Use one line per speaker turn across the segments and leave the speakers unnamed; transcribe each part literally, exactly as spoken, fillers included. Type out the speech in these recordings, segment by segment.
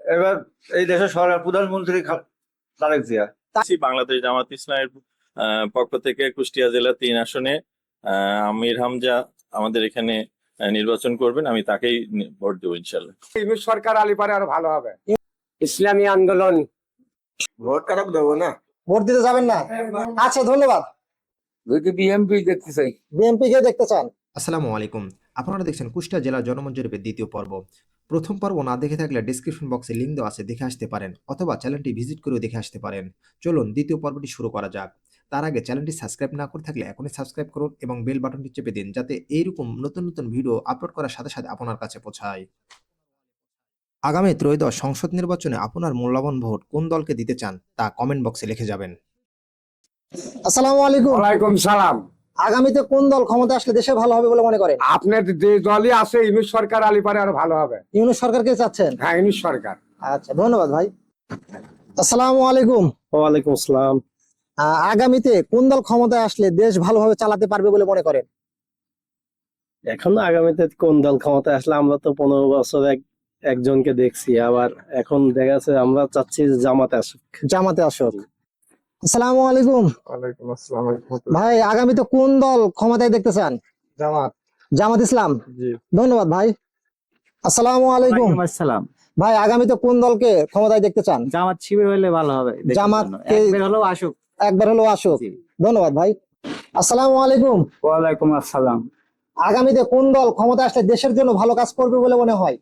এবার এই দেশের সরকার প্রধানমন্ত্রী খা- তারেক জিয়া।
বাংলাদেশ জামাত ইসলামের আহ, পক্ষ থেকে কুষ্টিয়া জেলা তিন আসনে আহ, আমির হামজা আমাদের এখানে আহ, নির্বাচন করবেন, আমি তাকেই নি- ভোট দেবো ইনশাল্লাহ।
ইউনূস সরকার আলিপারে আরো ভালো হবে। ইসলামী আন্দোলন।
ভোট কারক দেবো না,
ভোট দিতে যাবেন না? আচ্ছা, ধন্যবাদ।
যদি বিএমপি দেখতে চাই,
বিএনপি কে দেখতে চান?
আসসালামু আলাইকুম। আপনারা দেখছেন কুষ্টিয়া জেলা জনমত জরিপের দ্বিতীয় পর্ব। প্রথম পর্ব না দেখে থাকলে ডিসক্রিপশন বক্সে লিঙ্ক দেওয়া আছে, দেখে আসতে পারেন, অথবা চ্যানেলটি ভিজিট করেও দেখে আসতে পারেন। চলুন দ্বিতীয় পর্বটি শুরু করা যাক। তার আগে চ্যানেলটি সাবস্ক্রাইব না করে থাকলে এখনই সাবস্ক্রাইব করুন এবং বেল বাটনটি চেপে দিন, যাতে এইরকম নতুন নতুন ভিডিও আপলোড করার সাথে সাথে আপনার কাছে পৌঁছায়। আগামী ত্রয়োদশ সংসদ নির্বাচনে আপনার মূল্যবান ভোট কোন দলকে দিতে চান তা কমেন্ট বক্সে লিখে যাবেন।
আসসালামু আলাইকুম।
ওয়ালাইকুম সালাম।
আগামীতে কোন দল ক্ষমতা আসলে দেশে ভালো হবে বলে মনে করেন?
আপনার যে দলই আছে ইউনূস সরকার আলিপারে আরো ভালো হবে।
ইউনূস সরকারকে চাচ্ছেন?
হ্যাঁ, ইউনূস সরকার।
আচ্ছা, ধন্যবাদ ভাই। আসসালামু আলাইকুম।
ওয়ালাইকুম আসসালাম।
আহ, আগামীতে কোন দল ক্ষমতায় আসলে দেশ ভালোভাবে চালাতে পারবে বলে মনে করেন?
এখন আগামীতে কোন দল ক্ষমতায় আসলে, আমরা তো পনেরো বছর এক একজনকে দেখছি, আবার এখন দেখা যাচ্ছে আমরা চাচ্ছি যে জামাতে আসুক।
জামাতে আসুক। আসসালামু আলাইকুম
ওয়ালাইকুম আসসালাম।
ভাই, আগামীতে কোন দল ক্ষমতায় দেখতে চান?
জামাত।
জামাত ইসলাম।
জি।
ধন্যবাদ ভাই। আসসালামু আলাইকুম
আসসালাম।
ভাই, আগামীতে কোন দলকে ক্ষমতায় দেখতে চান?
জামাত শিবির হলে ভালো হবে। দেশের
জামাত
জন্য।
কে-
একবার হলেও আসুক।
একবার হলো আসুক।
জি।
ধন্যবাদ ভাই। আসসালামু আলাইকুম।
ওয়ালাইকুম আসসালাম।
আগামীতে কোন দল ক্ষমতা আসলে দেশের জন্য ভালো কাজ করবে বলে মনে হয়?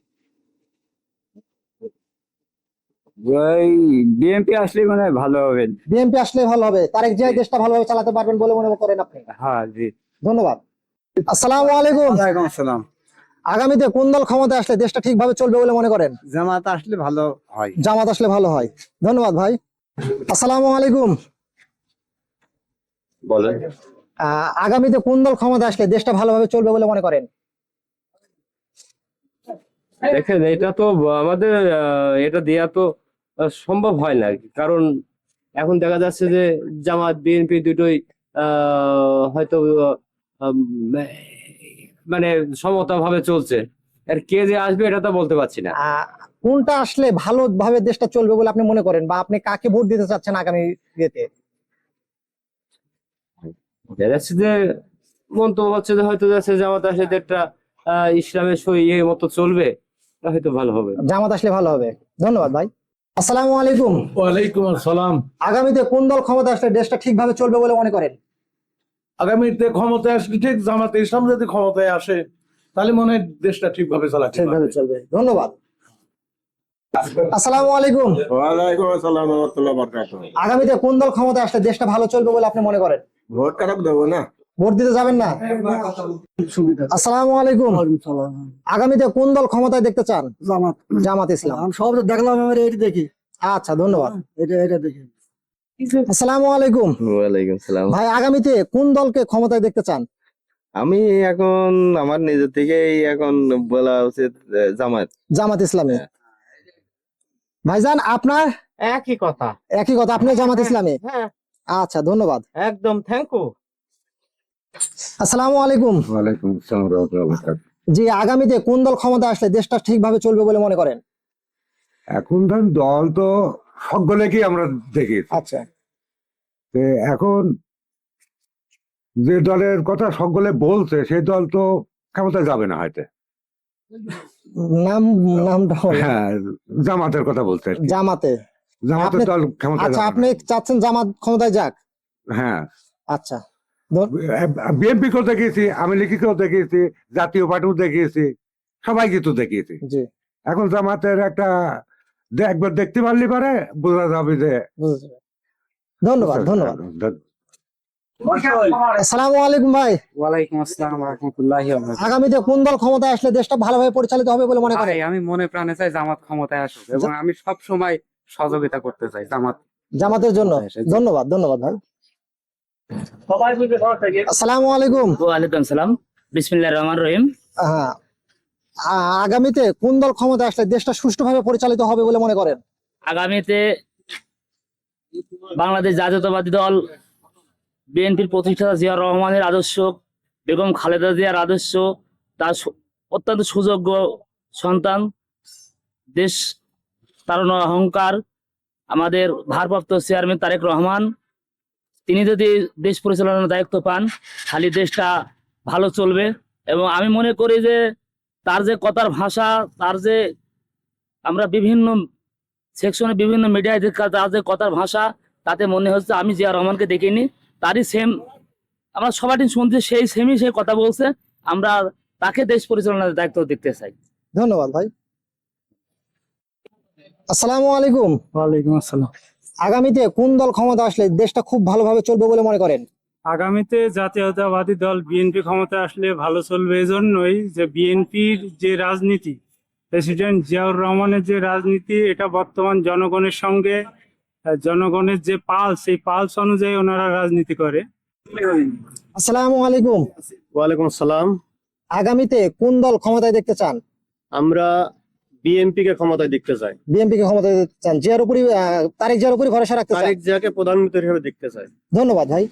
বিএনপি আসলে মানে ভালো হবে।
বিএনপি আসলে ভালো হবে। তারেক জিয়া দেশটা ভালোভাবে চালাতে পারবেন বলে মনে করেন আপনি?
হ্যাঁ, জি।
ধন্যবাদ। আসসালামু আলাইকুম।
ওয়ালাইকুম আসসালাম।
আগামীতে কোন দল ক্ষমতা আসলে দেশটা ঠিকভাবে চলবে বলে মনে করেন?
জামাত আসলে ভালো হয়।
জামাত আসলে ভালো হয়। ধন্যবাদ ভাই। আসসালামু আলাইকুম।
বলেন।
আহ, আগামীতে কোন দল ক্ষমতা আসলে দেশটা ভালোভাবে চলবে বলে মনে করেন?
দেখেন, এটা তো আমাদের আহ, এটা দেয়া তো আহ, সম্ভব হয় না, কারণ এখন দেখা যাচ্ছে যে জামাত বিএনপি দুটোই আহ, হয়তো আহ, উম, মানে সমতা ভাবে চলছে। আর কে যে আসবে এটা তো বলতে পারছি না।
আহ, কোনটা আসলে ভালোভাবে দেশটা চলবে বলে আপনি মনে করেন, বা আপনি কাকে ভোট দিতে চাচ্ছেন আগামী ইয়েতে?
দেখা যাচ্ছে যে মন্তব্য হচ্ছে যে হয়তো যাচ্ছে জামাত আসলে একটা আহ ইসলামের সই ইয়ে মতো চলবে, এটা হয়তো ভালো হবে।
জামাত আসলে ভালো হবে। ধন্যবাদ ভাই। আসসালামু আলাইকুম।
ওয়ালাইকুম আসসালাম।
আগামীতে কোন দল ক্ষমতা আসলে দেশটা ঠিকভাবে চলবে বলে মনে করেন?
আগামীতে ক্ষমতায় আসলে ঠিক জামাতে ইসলাম যদি ক্ষমতায় আসে, তাহলে মনে হয় দেশটা ঠিকভাবে চালাতে
ঠিকভাবে
পারবে।
চলবে। ধন্যবাদ। আসসালামু আলাইকুম।
ওয়ালাইকুম আসসালাম ওয়া রাহমাতুল্লাহি ওয়া বারাকাতুহু।
আগামীতে কোন দল ক্ষমতা আসলে দেশটা ভালো চলবে বলে আপনি মনে করেন?
ভোট কারক দেবো না।
ভোট দিতে যাবেন না? আসসালামু আলাইকুম। আগামীতে কোন দল ক্ষমতায় দেখতে চান?
জামাত।
জামাত ইসলাম।
আমি সব দেখলাম, আমি এটি দেখি।
আচ্ছা, ধন্যবাদ।
এটা এটা দেখি।
আসসালামু আলাইকুম
ওয়ালাইকুম সালাম।
ভাই, আগামীতে কোন দলকে ক্ষমতায় দেখতে চান?
আমি এখন আমার নিজের থেকেই এখন বলা উচিত আহ, জামাত।
জামাত ইসলামী। ভাইজান, আপনার?
একই কথা।
একই কথা, আপনি জামাত ইসলামী।
হ্যাঁ,
আচ্ছা, ধন্যবাদ।
একদম থ্যাংক ইউ।
আসসালামু আলাইকুম।
ওয়ালাইকুম আসসালাম ওয়া রাহমাতুল্লাহি ওয়া বারাকাতুহু।
জি, আগামীতে কোন দল ক্ষমতা আসলে দেশটা ঠিকভাবে চলবে বলে মনে করেন?
এখন ধরেন দল তো সকলেকেই আমরা দেখি।
আচ্ছা।
তো এখন যে দলের কথা সকলে বলছে সেই দল তো ক্ষমতায় যাবে না হয়তো।
নাম নামটা বলেন।
হ্যাঁ, জামাতের কথা বলছে আর কি।
জামাতে।
জামাতের
আপনি-
দল ক্ষমতায়
আচ্ছা,
যাবে
আপনি
না।
চাচ্ছেন জামাত ক্ষমতায় যাক?
হ্যাঁ,
আচ্ছা।
বিএনপি কেও দেখিয়েছি, আমি লিখিকেও দেখিয়েছি, জাতীয় পার্টিও দেখিয়েছি, সবাইকে তো দেখিয়েছি।
জি,
এখন জামাতের একটা দে- একবার দেখতে পারলে পারে বোঝা যাবে যে।
বুঝেছি। ধন্যবাদ, ধন্যবাদ। আসসালামু আলাইকুম ভাই।
ওয়ালাইকুম আসসালাম ওয়া রাহমাতুল্লাহি ওয়া বারাকাতুহু।
আগামীতে কোন দল ক্ষমতায় আসলে দেশটা ভালোভাবে পরিচালিত হবে বলে মনে করেন?
ভাই, আমি মনে প্রাণে চাই জামাত ক্ষমতায় আসুক, এবং আমি সব সময় সহযোগিতা করতে চাই জামাত।
জামাতের জন্য। ধন্যবাদ, ধন্যবাদ ভাই। আসসালামু আলাইকুম।
ওয়ালাইকুম আসসালাম। বিসমিল্লাহির রহমানির রহিম।
হ্যাঁ, আ- আগামীতে কোন দল ক্ষমতায় আসলে দেশটা সুষ্ঠুভাবে পরিচালিত হবে বলে মনে করেন?
আগামীতে বাংলাদেশ জাতীয়তাবাদী দল বিএনপির প্রতিষ্ঠাতা জিয়া রহমানের আদর্শ, বেগম খালেদা জিয়ার আদর্শ, তার সু- অত্যন্ত সুযোগ্য সন্তান, দেশ তারুণ্য অহংকার আমাদের ভারপ্রাপ্ত চেয়ারম্যান তারেক রহমান, তিনি যদি দেশ পরিচালনার দায়িত্ব পান খালি দেশটা ভালো চলবে। এবং আমি মনে করি যে তার যে কথার ভাষা, তার যে আমরা বিভিন্ন সেকশনে বিভিন্ন মিডিয়ায় তার যে কথার ভাষা, তাতে মনে হচ্ছে আমি জিয়া রহমানকে দেখিনি, তারই সেম আমরা সবাই শুনছি, সেই সেমই সেই কথা বলছে। আমরা তাকে দেশ পরিচালনার দায়িত্ব দেখতে চাই।
ধন্যবাদ ভাই। আসসালামু আলাইকুম।
ওয়ালাইকুম আসসালাম।
আগামীতে কোন দল ক্ষমতা আসলে দেশটা খুব ভালোভাবে চলবে বলে মনে করেন?
আগামীতে জাতীয়তাবাদী দল বিএনপি ক্ষমতা আসলে ভালো চলবে, এজন্যই যে বিএনপির যে রাজনীতি, প্রেসিডেন্ট জিয়াউর রহমানের যে রাজনীতি, এটা বর্তমান জনগণের সঙ্গে আহ, জনগণের যে পালস, সেই পালস অনুযায়ী ওনারা রাজনীতি করে।
আসসালামু আলাইকুম।
ওয়ালাইকুম আসসালাম।
আগামীতে কোন দল ক্ষমতায় দেখতে চান?
আমরা বিএনপি কে ক্ষমতায় দেখতে চাই,
বিএনপি কে ক্ষমতায় দেখতে চান, জিয়ার উপরই আহ, তারেক জিয়ার উপরই ভরসা রাখতে চান।
তারেক জিয়াকে প্রধানমন্ত্রী হিসেবে দেখতে চাই।
ধন্যবাদ ভাই।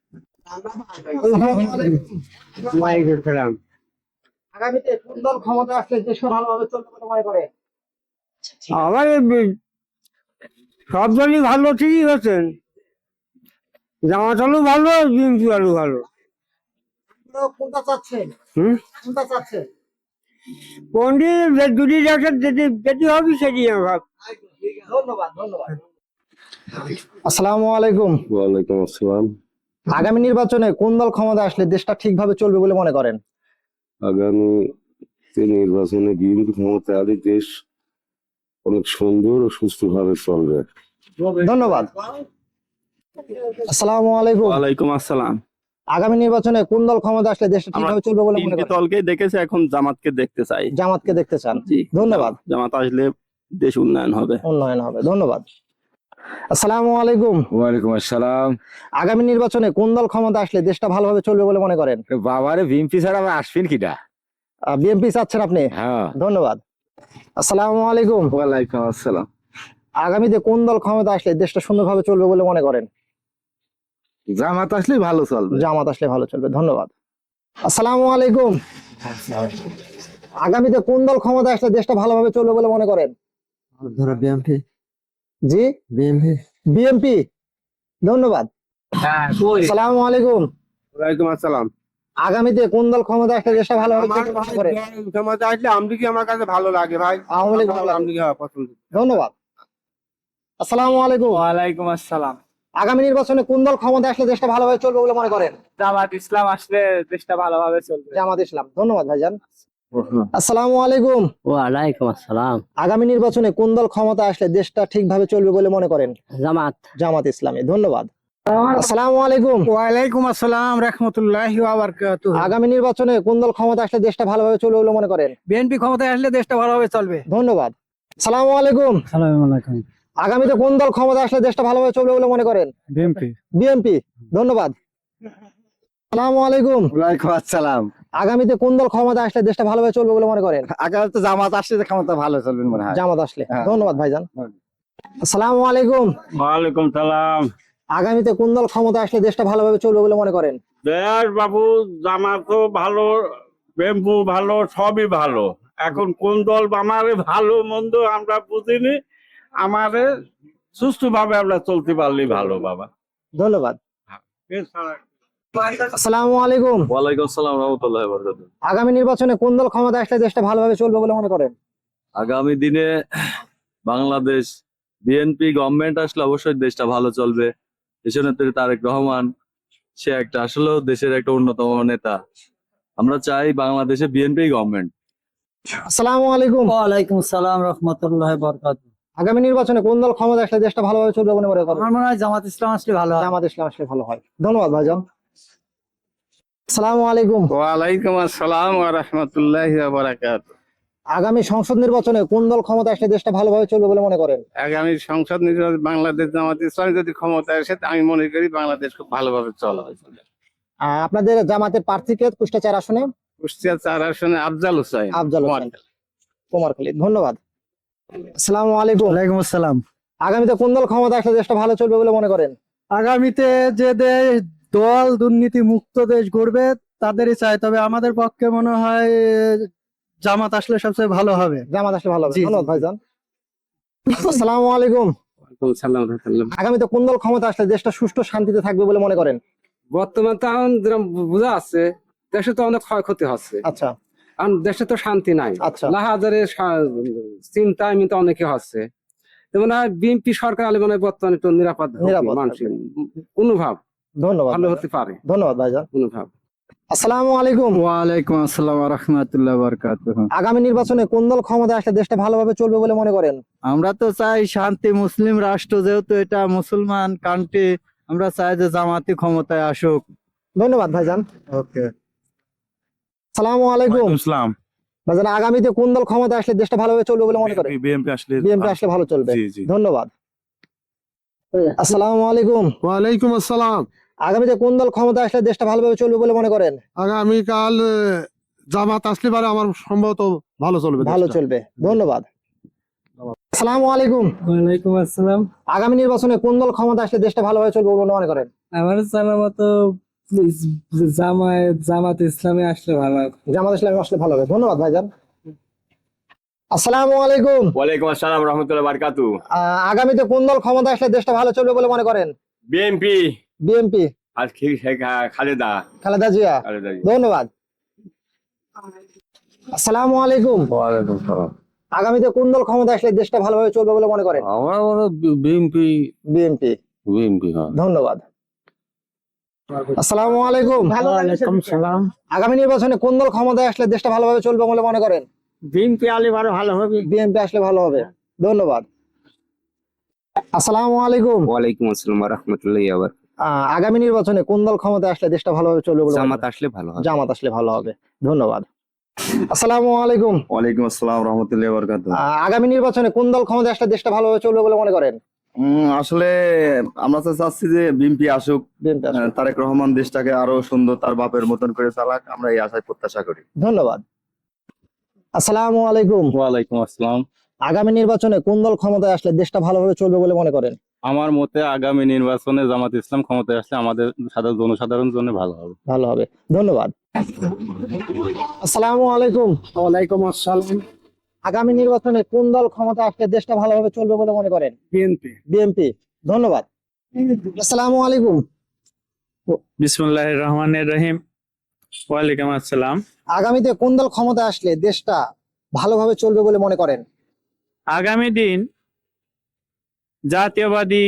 আগামীতে কোন দল ক্ষমতা আসলে দেশ ভালোভাবে চলবে বলে মনে করে?
আমার সব দলই ভালো, ঠিকই আছেন, জামাত আলু ভালো, বিএনপি আলু ভালো।
আপনারা কোনটা চাচ্ছেন?
হুম
কোনটা চাচ্ছেন?
পন্ডিত দুটি জায়গায় যেটি যেটি হবে সেটি ভাব।
ধন্যবাদ, ধন্যবাদ। আসসালামু আলাইকুম।
ওয়ালাইকুম আসসালাম।
আগামী নির্বাচনে কোন দল ক্ষমতা আসলে দেশটা ঠিকভাবে চলবে বলে মনে করেন?
আগামী নির্বাচনে বিএনপি ক্ষমতায় আলে দেশ অনেক সুন্দর ও সুস্থভাবে চলবে।
ধন্যবাদ। আসসালামু আলাইকুম।
ওয়ালাইকুম আসসালাম।
আগামী নির্বাচনে কোন দল ক্ষমতা আসলে দেশটা ঠিকভাবে চলবে বলে মনে করেন?
দলকে দেখেছে, এখন জামাতকে দেখতে চাই।
জামাতকে দেখতে চান। ধন্যবাদ।
জামাত আসলে দেশ উন্নয়ন হবে।
উন্নয়ন হবে। ধন্যবাদ। আসসালামু আলাইকুম।
ওয়ালাইকুম আসসালাম।
আগামী নির্বাচনে কোন দল ক্ষমতা আসলে দেশটা ভালোভাবে চলবে বলে মনে করেন?
বাবারে বিএনপি ছাড়া আবার আসবেন কিটা?
বিএনপি চাচ্ছেন আপনি?
হ্যাঁ।
ধন্যবাদ। আসসালামু আলাইকুম।
ওয়ালাইকুম আসসালাম।
আগামীতে কোন দল ক্ষমতা আসলে দেশটা সুন্দরভাবে চলবে বলে মনে করেন?
জামাত আসলে ভালো চলবে।
জামাত আসলে ভালো চলবে। ধন্যবাদ। আসসালামু আলাইকুম। আগামীতে কোন দল ক্ষমতা আসলে দেশটা ভালোভাবে চলবে বলে মনে করেন?
বিএনপি।
জি,
বিএনপি।
বিএনপি। ধন্যবাদ। আসসালামু আলাইকুম।
ওয়ালাইকুম আসসালাম।
আগামীতে কোন দল ক্ষমতা আসলে দেশটা ভালোভাবে চলবে বলে মনে করেন?
ক্ষমতা আসলে আমদিকে আমার কাছে ভালো লাগে ভাই।
আওয়ামী লীগ ভালো লাগে।
আমদিকে পছন্দ।
ধন্যবাদ। আসসালামু আলাইকুম।
ওয়ালাইকুম আসসালাম।
আগামী নির্বাচনে কোন দল ক্ষমতা আসলে দেশটা ভালোভাবে চলবে বলে মনে করেন?
জামাত ইসলাম আসলে দেশটা ভালোভাবে চলবে।
জামাত ইসলাম। ধন্যবাদ ভাইজান। আসসালামু আলাইকুম।
ওয়ালাইকুম আসসালাম।
আগামী নির্বাচনে কোন দল ক্ষমতা আসলে দেশটা ঠিকভাবে চলবে বলে মনে করেন?
জামাত।
জামাত ইসলামী। ধন্যবাদ। আসসালামু আলাইকুম।
ওয়ালাইকুম আসসালাম রাহমাতুল্লাহি ওয়া বারাকাতুহু।
আগামী নির্বাচনে কোন দল ক্ষমতা আসলে দেশটা ভালোভাবে চলবে বলে মনে করেন?
বিএনপি ক্ষমতায় আসলে দেশটা ভালোভাবে চলবে।
ধন্যবাদ। আসসালামু আলাইকুম।
আসসালামু আলাইকুম।
আগামীতে কোন দল ক্ষমতা আসলে দেশটা ভালোভাবে চলবে বলে মনে করেন?
বিএনপি।
বিএনপি। ধন্যবাদ। আসসালামু আলাইকুম।
ওয়ালাইকুম আসসালাম।
আগামীতে কোন দল ক্ষমতা আসলে দেশটা ভালোভাবে চলবে বলে মনে করেন?
আগামীতে জামাত আসলে ক্ষমতা ভালো চলবে মনে হয়।
জামাত আসলে।
হ্যাঁ।
ধন্যবাদ ভাইজান। আসসালামু আলাইকুম।
ওয়ালাইকুম সালাম।
আগামীতে কোন দল ক্ষমতা আসলে দেশটা ভালোভাবে চলবে বলে মনে করেন?
দেশ বাবু, জামাতও ভালো, বেম্বু ভালো, সবই ভালো। এখন কোন দল আমারে ভালো মন্দ আমরা বুঝিনি, আমারে সুস্থভাবে আমরা চলতে পারলেই ভালো বাবা।
ধন্যবাদ। আসসালামু আলাইকুম।
ওয়ালাইকুম আসসালাম রহমতুল্লাহ বরকাতুহু।
আগামী নির্বাচনে কোন দল ক্ষমতা আসলে দেশটা ভালোভাবে চলবে বলে মনে করেন?
আগামী দিনে বাংলাদেশ বিএনপি গভর্নমেন্ট আসলে অবশ্যই দেশটা ভালো চলবে। দেশনেত্রী তারেক রহমান, সে একটা আসলে দেশের একটা অন্যতম নেতা। আমরা চাই বাংলাদেশে বিএনপি গভর্নমেন্ট।
আসসালামু আলাইকুম।
ওয়ালাইকুম সালাম রাহমাতুল্লাহি ওয়া বারাকাতুহু।
আগামী নির্বাচনে কোন দল ক্ষমতা আসলে দেশটা ভালোভাবে চলবে বলে মনে করেন?
আমার মনে হয় জামাত ইসলাম আসলে ভালো হয়।
জামাত ইসলাম আসলে ভালো হয়। ধন্যবাদ ভাইজান। আসসালামু আলাইকুম।
ওয়ালাইকুম আসসালাম ওয়া রাহমাতুল্লাহি ওয়া বারাকাতুহু।
আগামী সংসদ নির্বাচনে কোন দল ক্ষমতা আসলে দেশটা ভালোভাবে চলবে বলে মনে করেন?
আগামী সংসদ নির্বাচন বাংলাদেশ জামাত ইসলাম যদি ক্ষমতায় আসে, আমি মনে করি বাংলাদেশ খুব ভালোভাবে চলা হয়।
আহ, আপনাদের জামাতের প্রার্থীকে কুষ্টিয়া চার আসনে?
কুষ্টিয়া চার আসনে আফজাল হোসেন।
আফজাল হোসেন, কুমারখালী। ধন্যবাদ। আসসালামু আলাইকুম।
ওয়ালাইকুম আসসালাম।
আগামীতে কোন দল ক্ষমতা আসলে দেশটা ভালো চলবে বলে মনে করেন?
আগামীতে যে দেশ দল দুর্নীতি মুক্ত দেশ গড়বে তাদেরই চাই, তবে আমাদের পক্ষে মনে হয় জামাত আসলে সবচেয়ে ভালো হবে।
জামাত আসলে ভালো হবে।
জি, জি।
ধন্যবাদ ভাইজান। আসসালামু আলাইকুম।
সালাম রাহমাতুল্লাহ।
আগামীতে কোন দল ক্ষমতা আসলে দেশটা সুষ্ঠু শান্তিতে থাকবে বলে মনে করেন?
বর্তমান তো এখন যেরকম বোঝা যাচ্ছে দেশে তো অনেক ক্ষয়ক্ষতি হচ্ছে,
আচ্ছা
কারণ দেশে তো শান্তি নাই।
আচ্ছা
লাহাজারে চিন্তা এমনিতে অনেকে হচ্ছে, যেমন বিএনপি সরকার আলে মনে হয় বর্তমানে একটু নিরাপদ হবে,
নিরাপদ
মানসিক অনুভব
ধন্যবাদ
ভালো
ভাইজান।
হতে পারে,
ধন্যবাদ ভাইজান।
অনুভব।
আসসালামু আলাইকুম।
ওয়ালাইকুম আসসালাম ওয়া রাহমাতুল্লাহি ওয়া বারাকাতুহু।
আগামী নির্বাচনে কোন দল ক্ষমতা আসলে দেশটা ভালোভাবে চলবে বলে মনে করেন?
আমরা তো চাই শান্তি, মুসলিম রাষ্ট্র, যেহেতু এটা মুসলমান কান্ট্রি, আমরা চাই যে জামাতি ক্ষমতায় আসুক।
ধন্যবাদ ভাইজান।
ওকে।
আসসালামু আলাইকুম।
ইসলাম
ভাইজান, আগামীতে কোন দল ক্ষমতা আসলে দেশটা ভালোভাবে চলবে বলে মনে করেন?
বিএনপি আসলে
বিএনপি আসলে ভালো চলবে।
জি, জি।
ধন্যবাদ। আসসালামু আলাইকুম।
ওয়ালাইকুম আসসালাম।
আগামীতে কোন দল ক্ষমতা আসলে দেশটা ভালোভাবে চলবে বলে মনে করেন?
আগামীকাল জামাত আসলে পারে আমার সম্ভবত ভালো চলবে।
ভালো চলবে। ধন্যবাদ। আসসালামু আলাইকুম।
ওয়ালাইকুম আসসালাম।
আগামী নির্বাচনে কোন দল ক্ষমতা আসলে দেশটা ভালোভাবে চলবে বলে মনে করেন?
আমার জানা মতো জামায়াত জামাত ইসলামে আসলে ভালো হবে।
জামাত ইসলামী আসলে ভালো হবে। ধন্যবাদ ভাইজান। আসসালামু আলাইকুম।
ওয়ালাইকুম আসসালাম রহমতুল্লাহ বারকাতু।
আহ, আগামীতে কোন দল ক্ষমতা আসলে দেশটা ভালো চলবে বলে মনে করেন?
বিএনপি
বিএনপি,
আর খালেদা
খালেদা জিয়া।
খালেদা
ধন্যবাদ। আসসালামু আলাইকুম।
ওয়ালাইকুম সালাম।
আগামীতে কোন দল ক্ষমতা আসলে দেশটা ভালোভাবে চলবে বলে মনে করেন?
আমার মনে বিএনপি
বিএনপি।
বিএনপি হ্যাঁ।
ধন্যবাদ। আসসালামু আলাইকুম।
ওয়ালাইকুম সালাম।
আগামী নির্বাচনে কোন দল ক্ষমতায় আসলে দেশটা ভালোভাবে চলবে বলে মনে করেন?
বিএনপি আলে ভালো ভালো হবে।
বিএনপি আসলে ভালো হবে। ধন্যবাদ। আসসালামু আলাইকুম।
ওয়ালাইকুম আসসালাম রহমতুল্লাহ। আবার
আহ, আগামী নির্বাচনে কোন দল ক্ষমতায় আসলে দেশটা ভালোভাবে চলবে বলে মনে
জামাত
করেন?
আসলে ভালো হবে।
জামাত আসলে ভালো হবে। ধন্যবাদ। আসসালামু আলাইকুম।
ওয়ালাইকুম আসসালাম রহমতুল্লাহি ওয়া বারাকাতুহু।
আহ, আগামী নির্বাচনে কোন দল ক্ষমতায় আসলে দেশটা ভালোভাবে চলবে বলে মনে করেন?
উম, আসলে আমরা তো চাচ্ছি যে বিএনপি আসুক,
বিএনপি আসলে।
আহ, তারেক রহমান দেশটাকে আরো সুন্দর তার বাপের মতন করে চালাক, আমরা এই আশায় প্রত্যাশা করি।
ধন্যবাদ। আসসালামু আলাইকুম।
ওয়ালাইকুম আসসালাম।
আগামী নির্বাচনে কোন দল ক্ষমতায় আসলে দেশটা ভালোভাবে চলবে বলে মনে করেন?
আমার মতে আগামী নির্বাচনে জামাত ইসলাম ক্ষমতায় আসলে আমাদের সাধারণ জনসাধারণের জন্য ভালো হবে।
ভালো হবে। ধন্যবাদ। আসসালামু আলাইকুম।
ওয়ালাইকুম আসসালাম।
আগামী নির্বাচনে কোন দল ক্ষমতা আসলে দেশটা ভালোভাবে চলবে বলে মনে করেন?
বিএনপি।
বিএনপি। ধন্যবাদ। আসসালামু আলাইকুম।
বিসমিল্লাহির রহমানির রহিম। ওয়ালাইকুম আসসালাম।
আগামীতে কোন দল ক্ষমতা আসলে দেশটা ভালোভাবে চলবে বলে মনে করেন?
আগামী দিন জাতীয়বাদী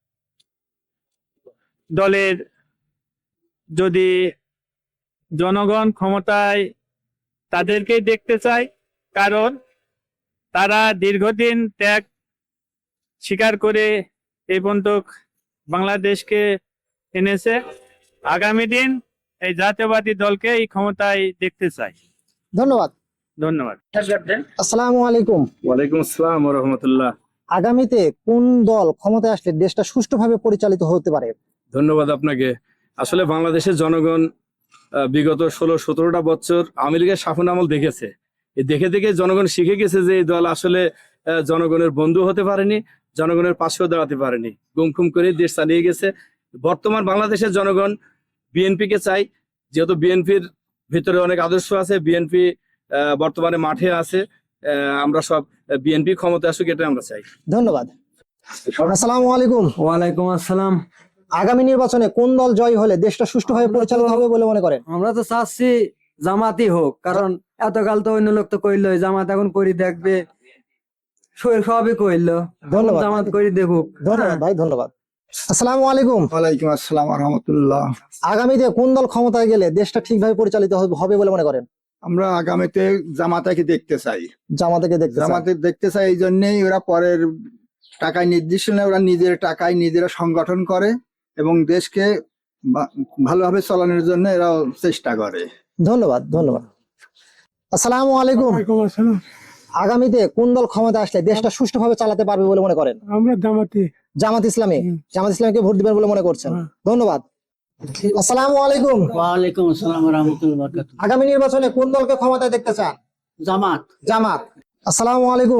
দলের যদি জনগণ ক্ষমতায় তাদেরকেই দেখতে চায়, কারণ তারা দীর্ঘদিন ত্যাগ স্বীকার করে এই পর্যন্ত বাংলাদেশকে এনেছে। আগামী দিন এই জাতীয়বাদী দলকে এই ক্ষমতায় দেখতে চাই।
ধন্যবাদ।
ধন্যবাদ।
আসসালামু আলাইকুম।
ওয়ালাইকুম আসসালাম ওয়া রাহমাতুল্লাহ।
আগামীতে কোন দল ক্ষমতায় আসলে দেশটা সুষ্ঠুভাবে পরিচালিত হতে পারে?
ধন্যবাদ আপনাকে। আসলে বাংলাদেশের জনগণ আহ, বিগত ষোলো সতেরোটা বছর আওয়ামী লীগের শাসন আমল দেখেছে। এই দেখে দেখে জনগণ শিখে গেছে যে এই দল আসলে আহ, জনগণের বন্ধু হতে পারেনি, জনগণের পাশেও দাঁড়াতে পারেনি, গুমখুম করে দেশ চালিয়ে গেছে। বর্তমান বাংলাদেশের জনগণ বিএনপি কে চাই, যেহেতু বিএনপির ভিতরে অনেক আদর্শ আছে, বিএনপি বর্তমানে মাঠে আছে। আহ, আমরা সব বিএনপি ক্ষমতা আসুক, এটা আমরা চাই।
ধন্যবাদ। আসসালামু আলাইকুম।
ওয়ালাইকুম আসসালাম।
আগামী নির্বাচনে কোন দল জয় হলে দেশটা সুষ্ঠুভাবে পরিচালিত হবে বলে মনে করেন?
আমরা তো চাচ্ছি জামাতই হোক, কারণ এতকাল তো অন্য লোক তো কইলো, জামাত এখন করি দেখবে, সই- সবই কইলো,
ধন্যবাদ।
জামাত করি দেখুক।
ধন্যবাদ ভাই। ধন্যবাদ। আসসালামু আলাইকুম।
ওয়ালাইকুম আসসালাম রহমতুল্লাহ।
আগামীতে কোন দল ক্ষমতায় গেলে দেশটা ঠিকভাবে পরিচালিত হবে- হবে বলে মনে করেন?
আমরা আগামীতে জামাতাকে দেখতে চাই।
জামাতকে দেখতে চান?
জামাতে দেখতে চাই এই জন্যই ওরা পরের টাকায় নির্দিষ্ট নয়, ওরা নিজের টাকায় নিজেরা সংগঠন করে এবং দেশকে বা- ভালোভাবে চালানোর জন্য এরা চেষ্টা করে।
ধন্যবাদ। ধন্যবাদ। আসসালামু আলাইকুম। আগামীতে কোন দল ক্ষমতা আসলে দেশটা সুষ্ঠুভাবে চালাতে পারবে বলে মনে করেন?
আমরা জামাতি।
জামাত ইসলামী। জামাত ইসলামীকে ভোট দিবেন বলে মনে করছেন? ধন্যবাদ। আসসালামু আলাইকুম।
ওয়ালাইকুম আসসালাম ওয়া রাহমাতুল্লাহি ওয়া বারাকাতুহু।
আগামী নির্বাচনে কোন দলকে ক্ষমতায় দেখতে চান?
জামাত।
জামাত। আসসালামু আলাইকুম।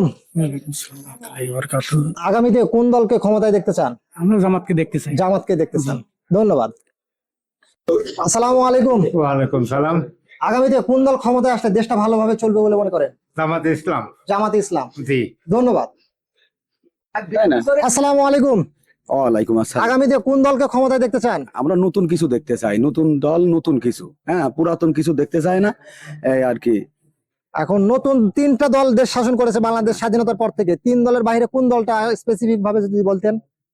আগামীতে কোন দলকে ক্ষমতায় দেখতে চান?
আমরা জামাতকে দেখতে চাই।
জামাতকে দেখতে চান। ধন্যবাদ। আসসালামু আলাইকুম।
ওয়ালাইকুম সালাম।
আগামীতে কোন দল ক্ষমতায় আসলে দেশটা ভালোভাবে চলবে বলে মনে করেন?
জামাত ইসলাম।
জামাত ইসলাম।
জি।
ধন্যবাদ। আসসালামু আলাইকুম।
ওয়ালাইকুম আসসালাম।
আগামীতে কোন দলকে ক্ষমতায় দেখতে চান?
আমরা নতুন কিছু দেখতে চাই, নতুন দল, নতুন কিছু, হ্যাঁ, পুরাতন কিছু দেখতে চাই না, এই আর কি।
এখন নতুন তিনটা দল দেশ শাসন করেছে বাংলাদেশ স্বাধীনতার পর থেকে, তিন দলের বাইরে কোন দলটা স্পেসিফিক ভাবে যদি বলতেন?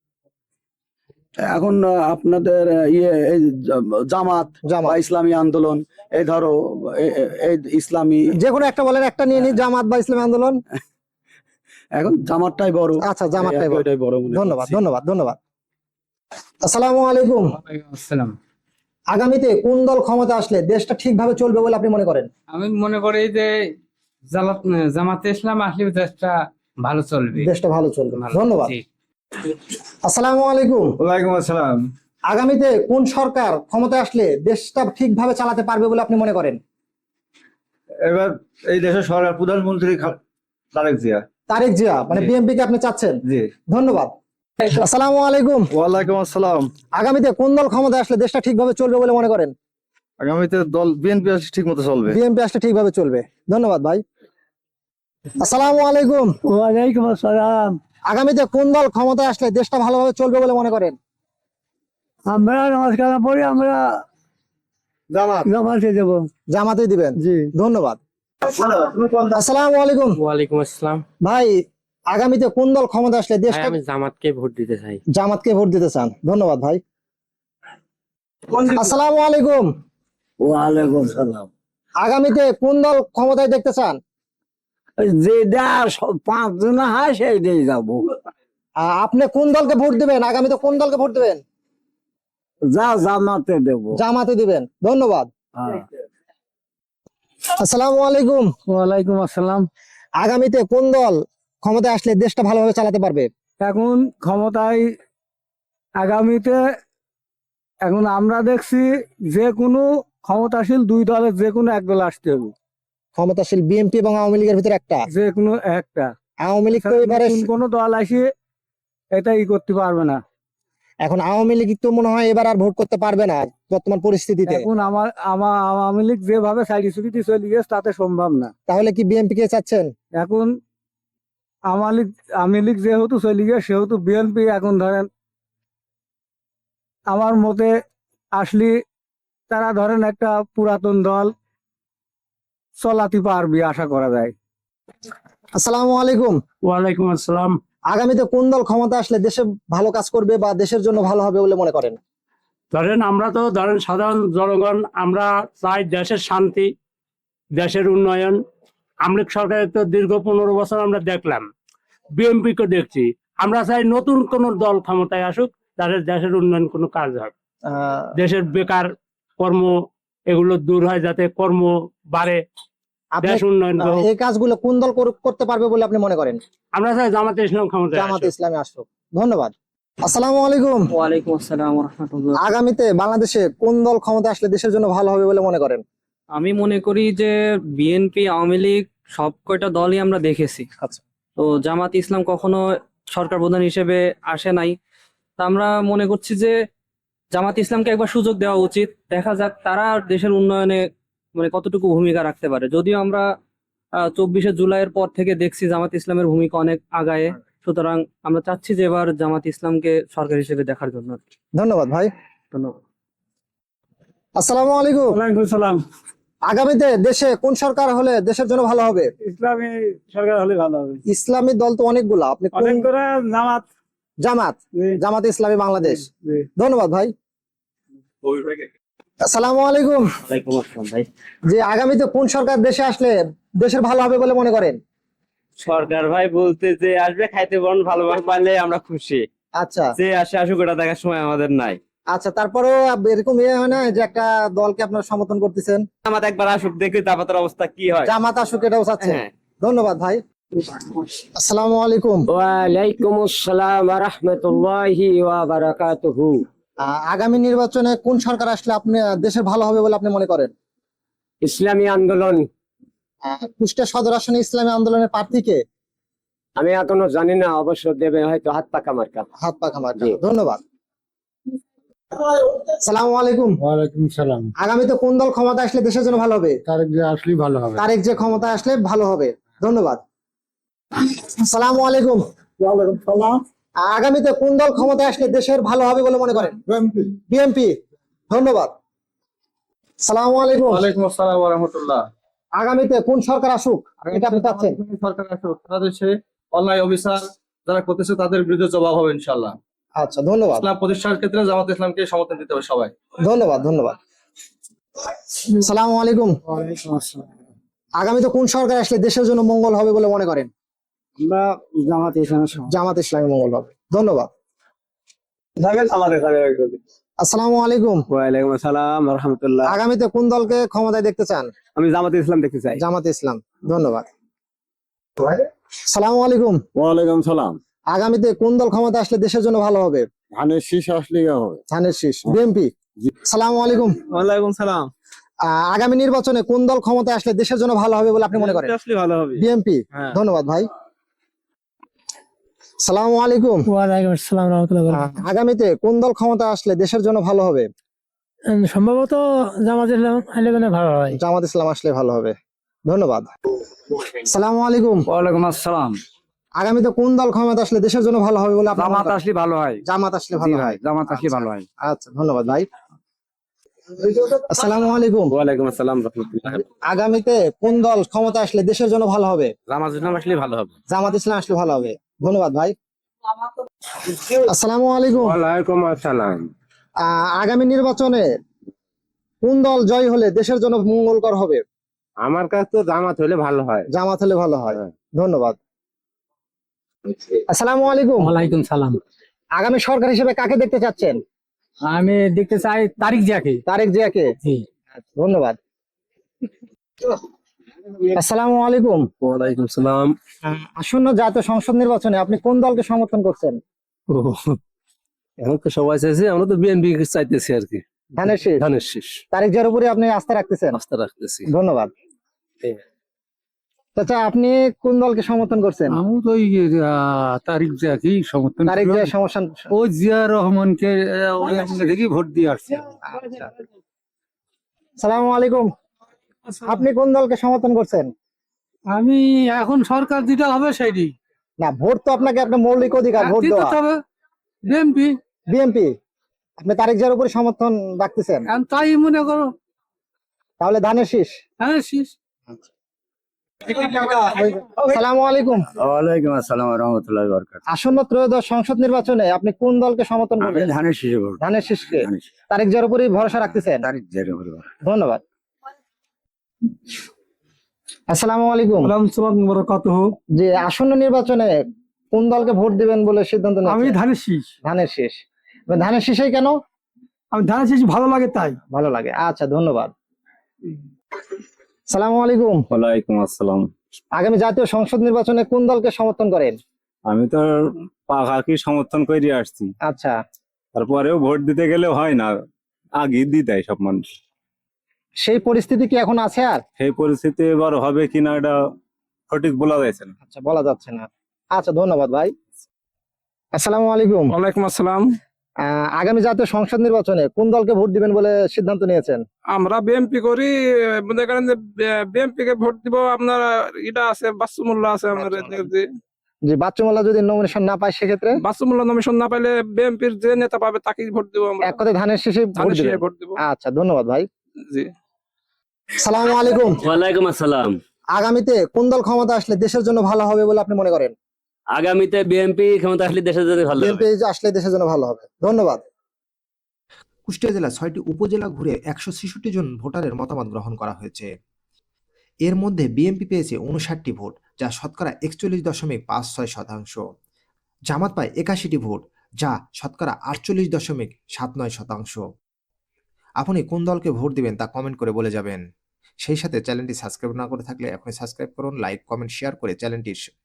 এখন আহ, আপনাদের আহ, ইয়ে এই জা- জামাত
জামাত।
বা ইসলামী আন্দোলন, এই ধরো এ- এ- এই ইসলামী,
যে কোনো একটা বলেন, একটা নিয়ে নি, জামাত বা ইসলামী আন্দোলন।
এখন জামাতটাই বড়।
আচ্ছা, জামাতটাই বড়।
ওইটাই বড় মনে
ধন্যবাদ,
করছি।
ধন্যবাদ, ধন্যবাদ। আসসালামু আলাইকুম।
আসসালাম।
আগামীতে কোন দল ক্ষমতা আসলে দেশটা ঠিকভাবে চলবে বলে আপনি মনে করেন?
আমি মনে করি যে জামাত জামাতে ইসলাম আসলে দেশটা ভালো চলবে।
দেশটা ভালো চলবে। ধন্যবাদ। আসসালামু আলাইকুম।
ওয়ালাইকুম আসসালাম।
আগামীতে কোন সরকার ক্ষমতায় আসলে দেশটা ঠিকভাবে চালাতে পারবে বলে আপনি মনে করেন?
এবার এই দেশের সরকার প্রধানমন্ত্রী খা- তারেক জিয়া।
তারেক জিয়া, মানে
জি।
বিএনপি কে আপনি চাচ্ছেন?
জি।
ধন্যবাদ। আসসালামু আলাইকুম।
ওয়ালাইকুম আসসালাম।
আগামীতে কোন দল ক্ষমতায় আসলে দেশটা ঠিকভাবে চলবে বলে মনে করেন?
আগামীতে দল বিএনপি ঠিক মতো চলবে।
বিএনপি আসলে ঠিকভাবে চলবে। ধন্যবাদ ভাই। আসসালামু আলাইকুম।
ওয়ালাইকুম আসসালাম।
আগামীতে কোন দল ক্ষমতায় আসলে দেশটা ভালোভাবে চলবে বলে মনে করেন?
আমরা নমস্কার পরে আমরা
জামাত।
জামাতে দেব।
জামাতে দিবেন?
জি।
ধন্যবাদ। আসসালামু আলাইকুম।
ওয়ালাইকুম আসসালাম।
ভাই, আগামীতে কোন দল ক্ষমতা আসলে দেশটা?
জামাতকে ভোট দিতে চাই।
জামাতকে ভোট দিতে চান? ধন্যবাদ ভাই। আসসালামু আলাইকুম।
ওয়ালাইকুম সালাম।
আগামীতে কোন দল ক্ষমতায় দেখতে চান?
যেটা পাঁচ জন হয় সেইটাই যাবো।
আ- আপনি কোন দলকে ভোট দিবেন? আগামীতে কোন দলকে ভোট দিবেন?
যা জামাতে দেবো।
জামাতে দিবেন। ধন্যবাদ। আসসালামু আলাইকুম।
ওয়ালাইকুম আসসালাম।
আগামীতে কোন দল ক্ষমতায় আসলে দেশটা ভালোভাবে চালাতে পারবে?
এখন ক্ষমতায় আগামীতে এখন আমরা দেখছি যে কোনো ক্ষমতাশীল দুই দলের যে কোনো এক দল আসতে হবে,
ক্ষমতাশীল বিএনপি এবং আওয়ামী লীগের ভিতরে একটা।
যে কোনো একটা।
আওয়ামী লীগ তো এবারে,
নতুন কোনো দল আসে এটা ই করতে পারবে না।
এখন আওয়ামী লীগ তো মনে হয় এবার আর ভোট করতে পারবে না বর্তমান পরিস্থিতিতে।
এখন আমার আমার আওয়ামী লীগ যেভাবে সাইড সুবিধি চলে গেছে তাতে সম্ভব না।
তাহলে কি বিএনপি কে চাচ্ছেন?
এখন আওয়ামী লীগ আওয়ামী লীগ যেহেতু চলে গেছে সেহেতু বিএনপি এখন ধরেন আমার মতে আসলে তারা ধরেন একটা পুরাতন দল চলাতে পারবে আশা করা যায়।
আসসালামু আলাইকুম।
ওয়ালাইকুম আসসালাম।
আগামীতে কোন দল ক্ষমতা আসলে দেশে ভালো কাজ করবে বা দেশের জন্য ভালো হবে বলে মনে করেন?
ধরেন আমরা তো ধরেন সাধারণ জনগণ, আমরা চাই দেশের শান্তি, দেশের উন্নয়ন। আমলিক সরকারের তো দীর্ঘ পনেরো বছর আমরা দেখলাম, বিএনপি কে দেখছি। আমরা চাই নতুন কোন দল ক্ষমতায় আসুক, তাদের দেশের উন্নয়ন কোনো কাজ হয়,
আহ,
দেশের বেকার কর্ম এগুলো দূর হয়, যাতে কর্ম বাড়ে,
আপনি
দেশ উন্নয়ন
আহ,
হোক।
এই কাজগুলো কোন দল কর- করতে পারবে বলে আপনি মনে করেন?
আমরা চাই জামাতে ইসলাম ক্ষমতায়
জামাতে
আসুক।
ইসলামী আসুক। ধন্যবাদ। আসসালামু আলাইকুম।
ওয়ালাইকুম আসসালাম রহমতুল্লাহ।
আগামীতে বাংলাদেশে কোন দল ক্ষমতা আসলে দেশের জন্য ভালো হবে বলে মনে করেন?
আমি মনে করি যে বিএনপি, আওয়ামী লীগ সব কয়টা দলই আমরা দেখেছি।
আচ্ছা।
তো জামাত ইসলাম কখনো সরকার প্রধান হিসেবে আসে নাই। তা আমরা মনে করছি যে জামাত ইসলামকে একবার সুযোগ দেওয়া উচিত, দেখা যাক তারা দেশের উন্নয়নে মানে কতটুকু ভূমিকা রাখতে পারে। যদিও আমরা আহ চব্বিশে জুলাইয়ের পর থেকে দেখছি জামাত ইসলামের ভূমিকা অনেক আগায়, সুতরাং আমরা চাচ্ছি যে এবার জামাত ইসলামকে সরকার হিসেবে দেখার জন্য।
ধন্যবাদ ভাই।
ধন্যবাদ।
আসসালামু আলাইকুম।
ওয়ালাইকুম সালাম।
আগামীতে দেশে কোন সরকার হলে দেশের জন্য ভালো হবে?
ইসলামী সরকার হলে ভালো হবে।
ইসলামী দল তো অনেকগুলো, আপনি কোন?
অনেক করে জামাত।
জামাত।
জি।
জামাত ইসলামী বাংলাদেশ।
জি।
ধন্যবাদ ভাই। আসসালামু আলাইকুম।
ওয়ালাইকুম আসসালাম ভাই।
যে আগামীতে কোন সরকার দেশে আসলে দেশের ভালো হবে বলে মনে করেন?
সরকার ভাই বলতে যে আসবে, খাইতে বরণ ভালোভাবে পারলে আমরা খুশি।
আচ্ছা
যে আসে আসুক, ওটা দেখার সময় আমাদের নাই।
আচ্ছা, তারপরেও এরকম ইয়ে হয় না যে একটা দলকে আপনারা সমর্থন করতেছেন?
আমাদের একবার আসুক, দেখি তারপর অবস্থা কি হয়।
জামাত আসুক এটাও চাচ্ছেন?
হ্যাঁ।
ধন্যবাদ ভাই। আসসালামু আলাইকুম।
ওয়ালাইকুম আসসালাম ওয়া রাহমাতুল্লাহি ওয়া বারাকাতুহু।
আহ, আগামী নির্বাচনে কোন সরকার আসলে আপনি দেশের ভালো হবে বলে আপনি মনে করেন?
ইসলামী আন্দোলন।
আহ, কুষ্টিয়া সদর আসনে ইসলামী আন্দোলনের প্রার্থীকে?
আমি এখনো জানি না, অবশ্য দেবে হয়তো হাত পাকা মার্কা।
হাত পাখা মার্কা। ধন্যবাদ। আসসালামু আলাইকুম।
ওয়ালাইকুম সালাম।
আগামীতে কোন দল ক্ষমতা আসলে দেশের জন্য ভালো হবে?
তারেক যে আসলেই ভালো হবে।
তারেক যে ক্ষমতা আসলে ভালো হবে। ধন্যবাদ। আসসালামু আলাইকুম। আগামীতে কোন দল ক্ষমতায় আসলে দেশের ভালো হবে বলে মনে করেন? বিএনপি। ধন্যবাদ। সালামু আলাইকুম।
ওয়ালাইকুম আসসালাম ওয়া রাহমাতুল্লাহ।
আগামীতে কোন সরকার আসুক এটা আপনি চাচ্ছেন?
সরকার আসুক, তাদের সে অন্যায় অবিচার যারা করতেছে তাদের বিরুদ্ধে জবাব হবে ইনশাআল্লাহ।
আচ্ছা, ধন্যবাদ।
ইসলাম প্রতিষ্ঠার ক্ষেত্রে জামাত ইসলামকে সমর্থন দিতে হবে সবাই।
ধন্যবাদ ধন্যবাদ। সালামু আলাইকুম। আগামীতে কোন সরকার আসলে দেশের জন্য মঙ্গল হবে বলে মনে করেন?
আমরা জামাত ইসলামের
জামাত ইসলামী মঙ্গল হবে। ধন্যবাদ।
আমাদের
আসসালামু আলাইকুম।
ওয়ালাইকুম আসসালাম রহমতুল্লাহ।
আগামীতে কোন দলকে ক্ষমতায় দেখতে চান?
আমি জামাত ইসলাম দেখতে চাই।
জামাত ইসলাম। ধন্যবাদ। সালামু আলাইকুম।
ওয়ালাইকুম সালাম।
আগামীতে কোন দল ক্ষমতা আসলে দেশের জন্য ভালো হবে?
ধানের শীষ আসলে হবে।
ধানের শীষ, বিএনপি। সালামু আলাইকুম।
ওয়ালাইকুম সালাম।
আহ, আগামী নির্বাচনে কোন দল ক্ষমতায় আসলে দেশের জন্য ভালো হবে বলে আপনি মনে করেন?
আসলে ভালো হবে।
বিএনপি। ধন্যবাদ ভাই। সালামু আলাইকুম।
ওয়ালাইকুম আসসালাম রহমতুল্লাহ।
আহ, আগামীতে কোন দল ক্ষমতা আসলে দেশের জন্য ভালো হবে?
সম্ভবত জামাত ইসলাম আইলে মানে ভালো হয়।
জামাত ইসলাম আসলে ভালো হবে। ধন্যবাদ। সালামু আলাইকুম।
ওয়ালাইকুম আসসালাম।
আগামীতে কোন দল ক্ষমতা আসলে দেশের জন্য ভালো হবে বলে আপনি মনে করেন?
আসলে ভালো হয়।
জামাত আসলে ভালো হয়।
জামাত
আসলে
ভালো হয়।
আচ্ছা, ধন্যবাদ ভাই। আসসালামু আলাইকুম।
ওয়ালাইকুম আসসালাম রহমতুল্লাহ।
আগামীতে কোন দল ক্ষমতা আসলে দেশের জন্য ভালো হবে?
জামাত ইসলাম আসলে ভালো হবে।
জামাত ইসলাম আসলে ভালো হবে। ধন্যবাদ ভাই। আসসালামু আলাইকুম।
ওয়ালাইকুম আসসালাম।
আহ, আগামী নির্বাচনে কোন দল জয় হলে দেশের জন্য মঙ্গলকর হবে?
আমার কাছে তো জামাত হলে ভালো হয়।
জামাত হলে ভালো হয়। ধন্যবাদ। আসসালামু আলাইকুম।
ওয়ালাইকুম সালাম।
আগামী সরকার হিসেবে কাকে দেখতে চাচ্ছেন?
আমি দেখতে চাই তারিক জিয়াকে।
তারেক জিয়াকে। ধন্যবাদ। আসসালামু আলাইকুম।
ওয়ালাইকুম সালাম।
আহ, আসন্ন জাতীয় সংসদ নির্বাচনে আপনি কোন দলকে সমর্থন করছেন?
এখন তো সবাই চাইছে, আমরা তো বিএনপি চাইতেছি আর কি।
ধানের শীষ।
ধানের শীষ
তারেক জিয়ার উপরে আপনি আস্থা রাখতেছেন?
আস্থা রাখতেছি।
ধন্যবাদ। চাচা, আপনি কোন দলকে সমর্থন করছেন?
আমি তো ওই তারিক জিয়াকেই সমর্থন
তারেক জিয়ার সমস্যা।
ও জিয়া রহমানকে ওই দেখি ভোট দিয়ে আসছে।
সালামু আলাইকুম। আপনি কোন দলকে সমর্থন করছেন?
আমি এখন সরকার যেটা হবে সেইটি
না, ভোট তো আপনাকে আপনার মৌলিক অধিকার, ভোট দেওয়া।
হবে বিএনপি।
বিএনপি। আপনি তারেক জিয়ার উপরে সমর্থন রাখতেছেন?
তাই মনে করো।
তাহলে ধানের শীষ।
হ্যাঁ শীষ।
সালামু আলাইকুম।
ওয়ালাইকুম আসসালাম রহমতুল্লাহ বরকাত।
আসন্ন ত্রয়োদশ সংসদ নির্বাচনে আপনি কোন দলকে সমর্থন করবেন?
ধানের শীষে ভোট।
ধানের শীষকে। তারেক জিয়ার উপরে ভরসা রাখতেছেন?
তারিখ জেরে ভোট।
ধন্যবাদ। আসসালামু আলাইকুম। যে আসন্ন নির্বাচনে কোন দলকে ভোট দিবেন বলে সিদ্ধান্ত
আমি
নিয়েছেন?
ধানের শীষ।
ধানের শীষ। ধানের শীষই কেন?
আমি ধানের শীষ ভালো লাগে তাই।
ভালো লাগে। আচ্ছা, ধন্যবাদ। সালামু আলাইকুম।
ওয়ালাইকুম আসসালাম।
আগামী জাতীয় সংসদ নির্বাচনে কোন দলকে সমর্থন করেন?
আমি তো পাখাকি সমর্থন করে আসছি,
আচ্ছা,
তারপরেও ভোট দিতে গেলে হয় না, আগে দিয়ে দেয় সব মানুষ।
সেই পরিস্থিতি কি এখন আছে আর?
সেই পরিস্থিতি এবার হবে কিনা এটা সঠিক বলা যাচ্ছে না।
আচ্ছা, বলা যাচ্ছে না। আচ্ছা, ধন্যবাদ ভাই। আসসালামু আলাইকুম।
ওয়ালাইকুম আসসালাম।
আহ, আগামী জাতীয় সংসদ নির্বাচনে কোন দলকে ভোট দিবেন বলে সিদ্ধান্ত নিয়েছেন?
আমরা বিএনপি করি, মনে করেন যে বিএনপি কে ভোট দিব। আপনার এটা আছে বাসুমুল্লাহ আছে আমাদের যে
যে বাচ্চুমাল্লা যদি নমিনেশন না পায় সেক্ষেত্রে?
বাসুমুল্লাহ নমিনেশন না পাইলে বিএনপির যে নেতা পাবে তাকেই ভোট দিব আমরা।
এক কথায় ধানের শীষে ভোট
ধানের শীষে
দিবেন?
ভোট দিব।
আচ্ছা, ধন্যবাদ ভাই।
জি।
সালামু আলাইকুম।
ওয়ালাইকুম আসসালাম।
আগামীতে কোন দল ক্ষমতা আসলে দেশের জন্য ভালো হবে বলে আপনি মনে করেন?
আগামীতে বিএনপি ক্ষমতা আসলে দেশের জন্য ভালো হবে।
বিএনপি আসলে দেশের জন্য ভালো হবে। ধন্যবাদ।
কুষ্টিয়া জেলা ছয়টি উপজেলা ঘুরে একশো ছেষট্টি জন ভোটারের মতামত গ্রহণ করা হয়েছে। এর মধ্যে বিএনপি পেয়েছে উনষাটটি ভোট, যা শতকরা একচল্লিশ দশমিক পাঁচ ছয় শতাংশ। জামাত পায় একাশিটি ভোট, যা শতকরা আটচল্লিশ দশমিক সাত নয় শতাংশ। আপনি কোন দলকে ভোট দিবেন তা কমেন্ট করে বলে যাবেন। সেই সাথে চ্যানেলটি সাবস্ক্রাইব না করে থাকলে এখনই সাবস্ক্রাইব করুন, লাইক, কমেন্ট, শেয়ার করে চ্যানেলটির